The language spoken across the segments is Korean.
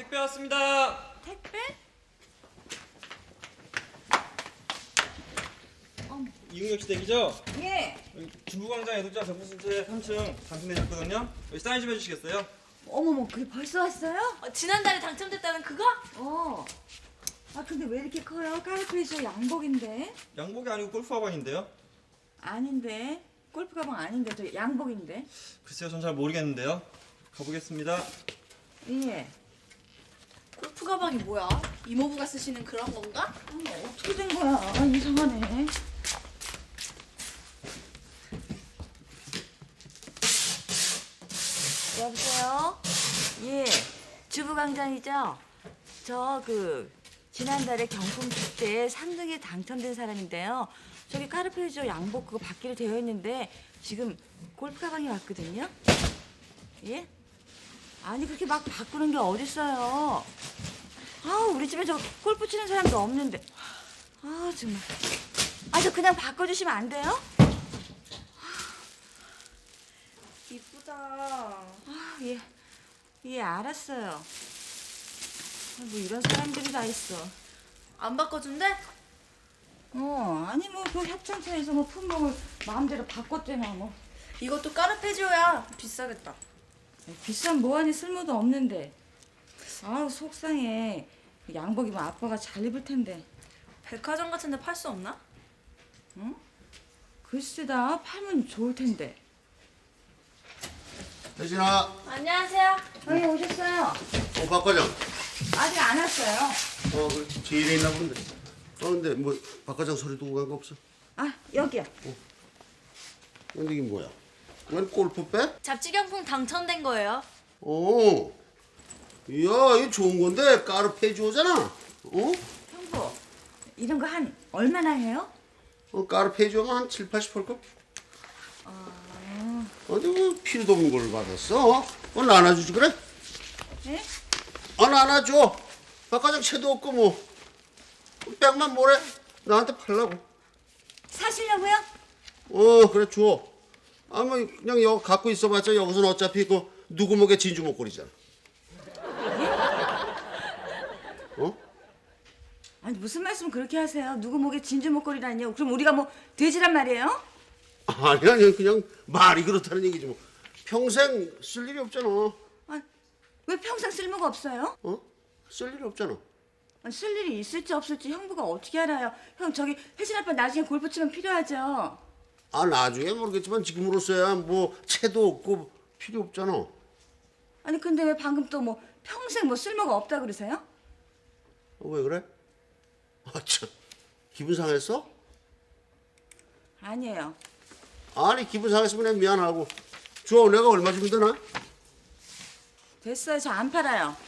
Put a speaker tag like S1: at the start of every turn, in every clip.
S1: 택배 왔습니다.
S2: 택배?
S1: 이응역 시댁이죠?
S2: 예.
S1: 중부광장 애독자 정부센터 3층 당첨되셨거든요. 여기 사인 좀 해주시겠어요?
S2: 어머머, 그게 벌써 왔어요?
S3: 지난달에 당첨됐다는 그거?
S2: 아, 근데 왜 이렇게 커요? 까르페이저 양복인데?
S1: 양복이 아니고 골프 화관인데요.
S2: 아닌데. 골프 가방 아닌데, 저 양복인데?
S1: 글쎄요, 전 잘 모르겠는데요. 가보겠습니다.
S2: 예.
S3: 골프 가방이 뭐야? 이모부가 쓰시는 그런 건가?
S2: 어떻게 된 거야? 아, 이상하네. 여보세요? 예. 주부광장이죠? 저 지난달에 경품 축제에 3등에 당첨된 사람인데요. 저기 카르페이저 양복 그거 받기로 되어 있는데 지금 골프 가방이 왔거든요. 예? 아니 그렇게 막 바꾸는 게 어딨어요. 아 우리 집에 저 골프 치는 사람도 없는데. 아 정말. 아 저 그냥 바꿔주시면 안 돼요?
S3: 이쁘다.
S2: 아 예. 예 알았어요. 아, 뭐 이런 사람들이 다 있어.
S3: 안 바꿔준대?
S2: 아니 뭐 그 협찬차에서 뭐 품목을 마음대로 바꿨대나 뭐.
S3: 이것도 까르페지오야. 비싸겠다.
S2: 비싼 뭐하니 쓸모도 없는데. 아우 속상해. 양복이면 아빠가 잘 입을 텐데.
S3: 백화점 같은 데 팔 수 없나?
S2: 응? 글쎄다 팔면 좋을 텐데.
S4: 혜진아,
S3: 안녕하세요.
S2: 아니 오셨어요?
S4: 박 과장.
S2: 아직 안 왔어요.
S4: 그래. 제일에 있나 본데. 근데 뭐 박 과장 소리 두고 간 거 없어?
S2: 아 여기요.
S4: 근데 이게 뭐야? 웬 골프백?
S3: 잡지경품 당첨된 거예요.
S4: 이야, 이거 좋은 건데 까르페지오잖아.
S2: 형부 이런 거 한 얼마나 해요?
S4: 까르페지오가 한 7, 80 할걸? 어디 뭐 필요도 없는 걸 받았어? 나눠주지 그래?
S2: 네?
S4: 나눠줘. 박 과장 채도 없고 뭐. 백만 뭐래? 나한테 팔라고.
S2: 사시려고요?
S4: 그래 줘. 아마 그냥 여기 갖고 있어봤자 여기서는 어차피 누구 목에 진주 목걸이잖아.
S2: 아니 무슨 말씀 그렇게 하세요? 누구 목에 진주 목걸이라니요? 그럼 우리가 뭐 돼지란 말이에요?
S4: 아니 그냥 말이 그렇다는 얘기지 뭐. 평생 쓸 일이 없잖아.
S2: 아, 왜 평생 쓸모가 없어요?
S4: 쓸 일이 없잖아.
S2: 쓸 일이 있을지 없을지 형부가 어떻게 알아요? 형 저기 혜진 아빠 나중에 골프 치면 필요하죠?
S4: 나중에 모르겠지만 지금으로서야 뭐 채도 없고 필요 없잖아.
S2: 아니 근데 왜 방금 또 뭐 평생 뭐 쓸모가 없다 그러세요?
S4: 왜 그래? 참 기분 상했어?
S2: 아니에요.
S4: 아니 기분 상했으면 그냥 미안하고 줘. 내가 얼마 주면 되나?
S2: 됐어요. 저 안 팔아요.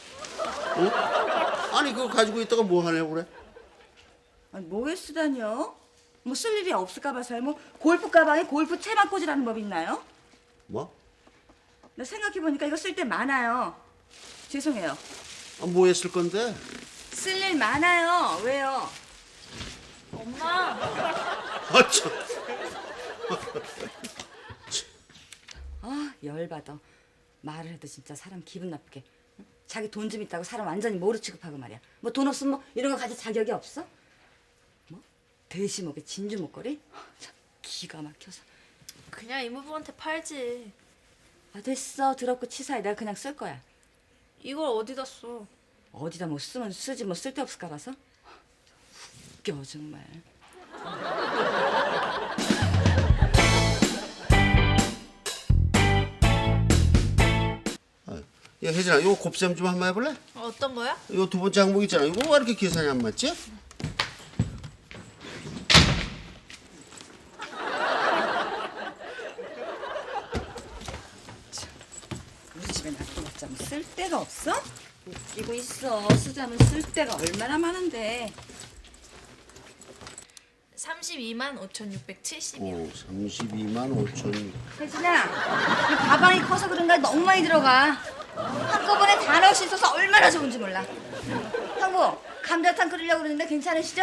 S4: 아니 그거 가지고 있다가 뭐 하려고 그래?
S2: 아니 뭐에 쓰다니요? 뭐 쓸 일이 없을까 봐서요. 뭐 골프 가방에 골프 채만 꽂으라는 법이 있나요?
S4: 뭐?
S2: 나 생각해보니까 이거 쓸 데 많아요. 죄송해요.
S4: 뭐 했을 건데?
S2: 쓸 일 많아요. 왜요?
S3: 엄마.
S4: 참.
S2: 아 열받아. 말을 해도 진짜 사람 기분 나쁘게. 응? 자기 돈 좀 있다고 사람 완전히 모르 취급하고 말이야. 뭐 돈 없으면 뭐 이런 거 가질 자격이 없어? 뭐? 돼지목에 진주 목걸이? 참 기가 막혀서.
S3: 그냥 이모부한테 팔지.
S2: 아 됐어. 더럽고 치사해. 내가 그냥 쓸 거야.
S3: 이걸 어디다 써?
S2: 어디다 뭐 쓰면 쓰지 뭐 쓸데없을까 봐서? 웃겨 정말.
S4: 야 혜진아, 이거 곱셈 좀 한번 해볼래?
S3: 어떤 거야?
S4: 이거 두 번째 항목 있잖아. 이거 왜 이렇게 계산이 안 맞지?
S2: 우리 집에 놔둬봤자 뭐 쓸데가 없어? 웃기고 있어. 쓰자면 쓸데가 얼마나 많은데.
S3: 32만 5,670이요.
S4: 32만 5천.
S2: 혜진아, 이 가방이 커서 그런가 너무 많이 들어가. 한꺼번에 다 넣을 수 있어서 얼마나 좋은지 몰라. 형부, 감자탕 끓이려고 그러는데 괜찮으시죠?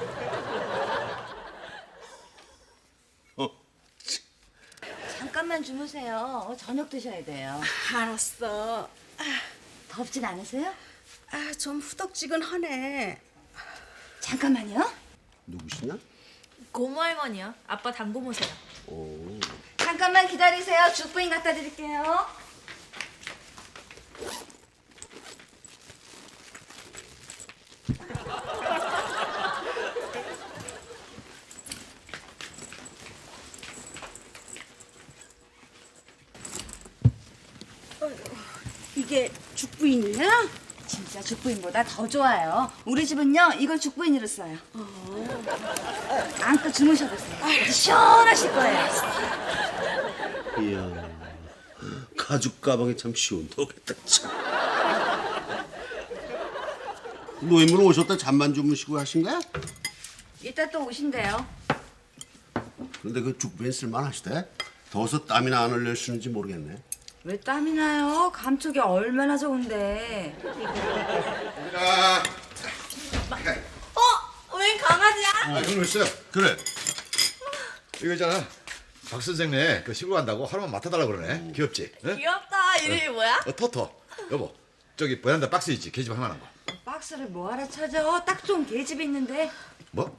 S2: 잠깐만 좀 주무세요. 저녁 드셔야 돼요.
S3: 알았어.
S2: 덥진 않으세요?
S3: 아, 좀 후덕지근하네.
S2: 잠깐만요.
S4: 누구시냐?
S5: 고모 할머니요. 아빠 당고모세요.
S4: 오.
S2: 잠깐만 기다리세요. 죽부인 갖다 드릴게요.
S3: 이게 죽부인이야?
S2: 진짜 죽부인보다 더 좋아요. 우리 집은요 이걸 죽부인으로 써요. 안고 주무셔보세요. 시원하실 거예요.
S4: 이야, 가죽 가방이 참 시원하겠다 참. 노인분 오셨다 잠만 주무시고 하신 거야?
S2: 이따 또 오신대요.
S4: 그런데 그 죽부인 쓸만하시대? 더워서 땀이나 안 흘려주는지 모르겠네.
S2: 왜 땀이 나요? 감촉이 얼마나 좋은데.
S3: 웬 강아지야?
S6: 아, 형 있어요.
S4: 그래.
S6: 이거 있잖아. 박 선생네 그 시골 간다고 하루만 맡아달라 그러네. 귀엽지? 응?
S3: 귀엽다. 이름이 뭐야?
S6: 토토. 여보, 저기 베란다 박스 있지? 계집 하나만 거.
S2: 박스를 뭐하러 찾아? 딱 좋은 계집이 있는데.
S6: 뭐?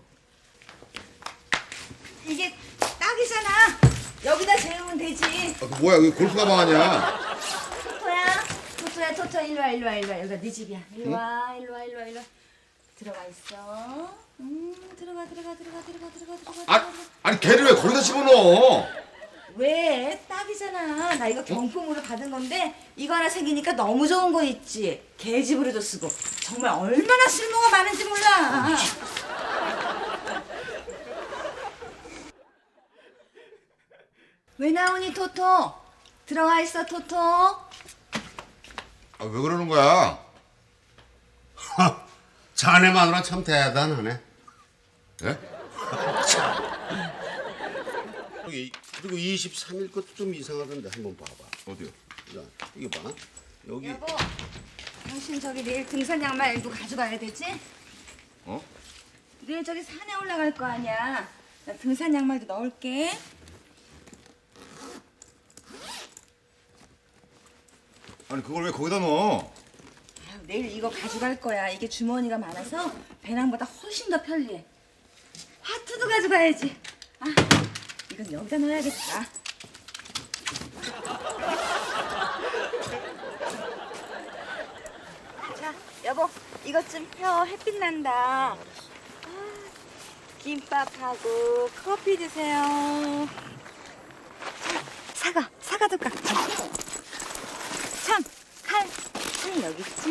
S2: 이게 딱이잖아. 여기다 재우면 되지.
S6: 아, 그 뭐야? 그 골프 가방 아니야?
S2: 토토야, 일로 와. 여기가 네 집이야. 일로 와. 들어가 있어. 들어가.
S6: 아니 걔를 왜 거기다 집어넣어?
S2: 왜? 딱이잖아. 나 이거 경품으로 받은 건데 이거 하나 생기니까 너무 좋은 거 있지. 계집으로도 쓰고. 정말 얼마나 쓸모가 많은지 몰라. 왜 나오니 토토? 들어가 있어 토토.
S6: 아, 왜 그러는 거야?
S4: 자네 마누라 참 대단하네.
S6: 예?
S4: 여기 그리고 23일 것도 좀 이상하던데 한번 봐봐.
S6: 어디요?
S4: 야, 이거 봐. 여기
S2: 여보, 당신 저기 내일 등산 양말도 가져가야 되지?
S6: 어?
S2: 내일 저기 산에 올라갈 거 아니야. 나 등산 양말도 넣을게.
S6: 아니 그걸 왜 거기다 넣어?
S2: 아유, 내일 이거 가져갈 거야. 이게 주머니가 많아서 배낭보다 훨씬 더 편리해. 하트도 가져가야지. 아, 이건 여기다 넣어야겠다. 자, 여보, 이것 좀 펴. 햇빛 난다. 김밥하고 커피 드세요. 자, 사과도 깎자. 참, 칼 여기 있지.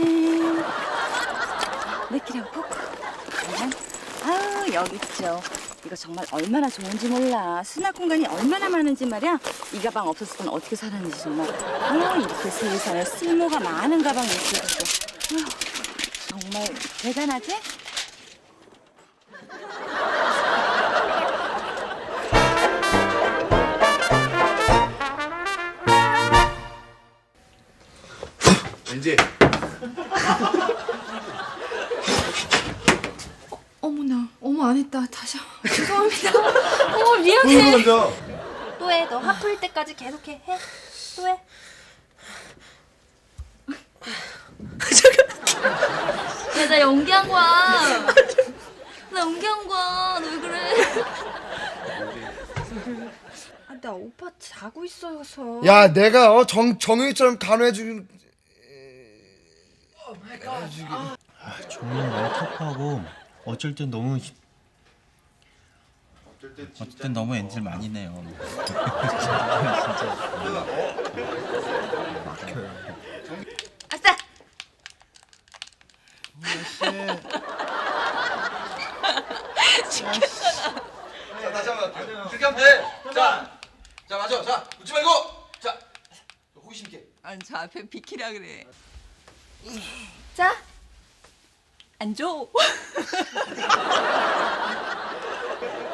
S2: 몇 개라고 포크. 아유, 여기 있죠. 이거 정말 얼마나 좋은지 몰라. 수납 공간이 얼마나 많은지 말이야. 이 가방 없었으면 어떻게 살았는지 정말. 아유, 이렇게 세상에 쓸모가 많은 가방이 있어가지고. 아유, 정말 대단하지?
S6: 왠지
S5: 어머나, 어머 안 했다. 다시 죄송합니다. 어머 미안해.
S6: 또 먼저.
S5: 또 해. 너 화풀 때까지 계속해. 해. 또 해. 야, 나 연기한 거야. 나 연기한 거야. 너 왜 그래? 아, 나 오빠 자고 있어서.
S7: 야, 내가 정영이처럼 간호해주는.
S8: 종이는 너무 터프하고 어쩔 땐 너무 엔질 많이 내요.
S2: 아싸!
S6: 자, 다시 한번. 그렇게 하면 돼. 자, 맞아. 자, 웃지 말고. 자, 호기심 있게.
S2: 아니, 저 앞에 비키라 그래.
S5: 자, 앉아.